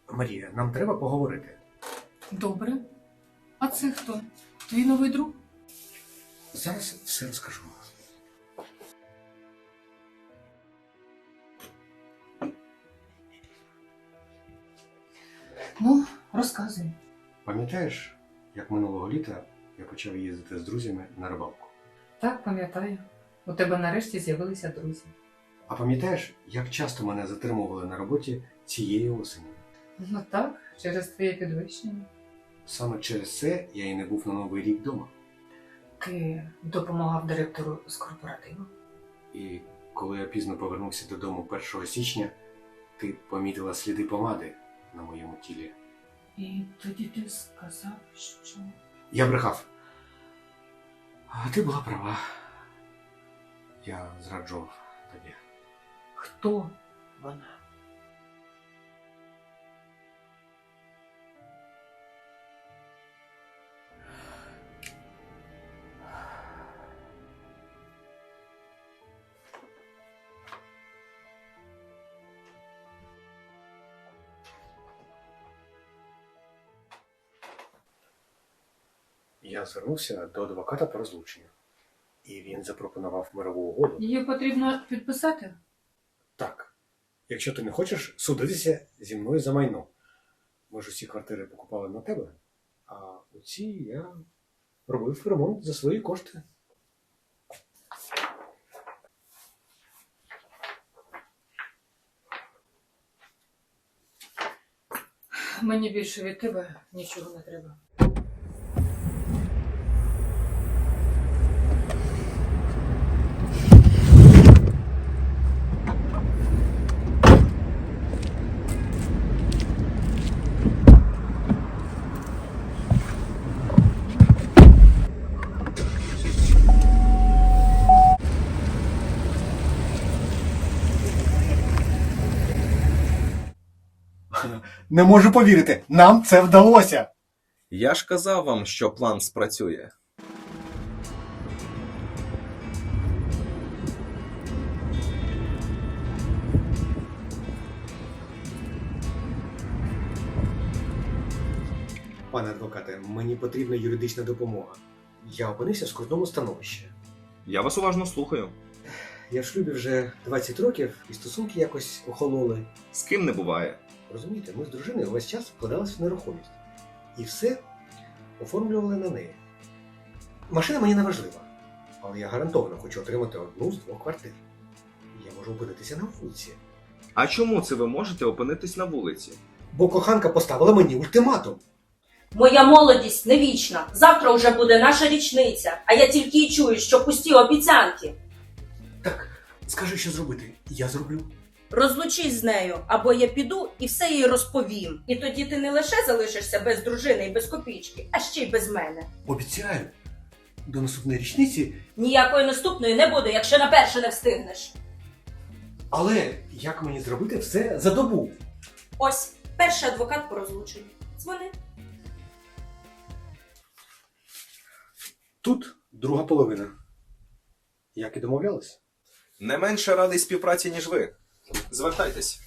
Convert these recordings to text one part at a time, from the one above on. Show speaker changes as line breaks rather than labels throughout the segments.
Марія, нам треба поговорити.
Добре. А це хто? Твій новий друг?
Зараз все розкажу.
Ну, розказуй.
Пам'ятаєш, як минулого літа я почав їздити з друзями на рибалку?
Так, пам'ятаю. У тебе нарешті з'явилися друзі.
А пам'ятаєш, як часто мене затримували на роботі цієї осені?
Ну так, через твоє підвищення.
Саме через це я і не був на Новий рік вдома.
Ти допомагав директору з корпоративу.
І коли я пізно повернувся додому 1 січня, ти помітила сліди помади на моєму тілі.
І тоді ти сказав, що...
Я брехав. А ти була права. Я зраджував тобі.
Хто вона?
Я звернувся до адвоката по розлученню. І він запропонував мирову угоду.
Її потрібно підписати?
Так. Якщо ти не хочеш судитися зі мною за майно. Ми ж усі квартири покупали на тебе, а у цій я робив ремонт за свої кошти.
Мені більше від тебе нічого не треба.
Не можу повірити, нам це вдалося!
Я ж казав вам, що план спрацює.
Пане адвокате, мені потрібна юридична допомога. Я опинився в скрутному становищі.
Я вас уважно слухаю.
Я в шлюбі вже 20 років, і стосунки якось охололи.
З ким не буває.
Розумієте, ми з дружиною весь час вкладалися в нерухомість. І все оформлювали на неї. Машина мені не важлива, але я гарантовано хочу отримати одну з 2 квартир. Я можу опинитися на вулиці.
А чому це ви можете опинитись на вулиці?
Бо коханка поставила мені ультиматум.
Моя молодість не вічна. Завтра вже буде наша річниця, а я тільки й чую, що пусті обіцянки.
Так, скажи, що зробити. Я зроблю.
Розлучись з нею, або я піду і все їй розповім. І тоді ти не лише залишишся без дружини і без копійки, а ще й без мене.
Обіцяю, до наступної річниці.
Ніякої наступної не буде, якщо на перше не встигнеш.
Але як мені зробити все за добу?
Ось, перший адвокат по розлученню. Дзвони.
Тут друга половина. Як і домовлялись.
Не менше радий співпраці, ніж ви. Звертайтесь.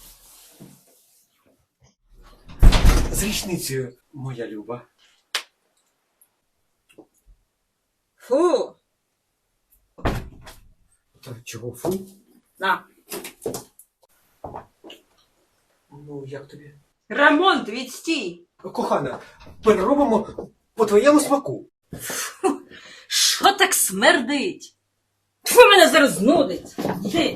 З річницею, моя люба.
Фу!
Та чого фу?
На.
Ну, як тобі?
Ремонт, відстій!
Кохана, переробимо по твоєму смаку.
Що так смердить? Тьфу, мене зараз нудить. Йди.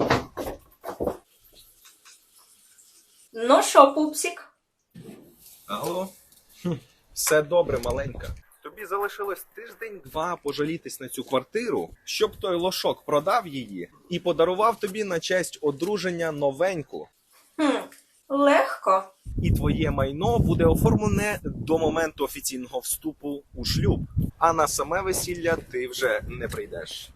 Ну що, пупсик?
Алло? Все добре, маленька. Тобі залишилось тиждень-два пожалітись на цю квартиру, щоб той лошок продав її і подарував тобі на честь одруження новеньку.
Легко.
І твоє майно буде оформлене до моменту офіційного вступу у шлюб. А на саме весілля ти вже не прийдеш.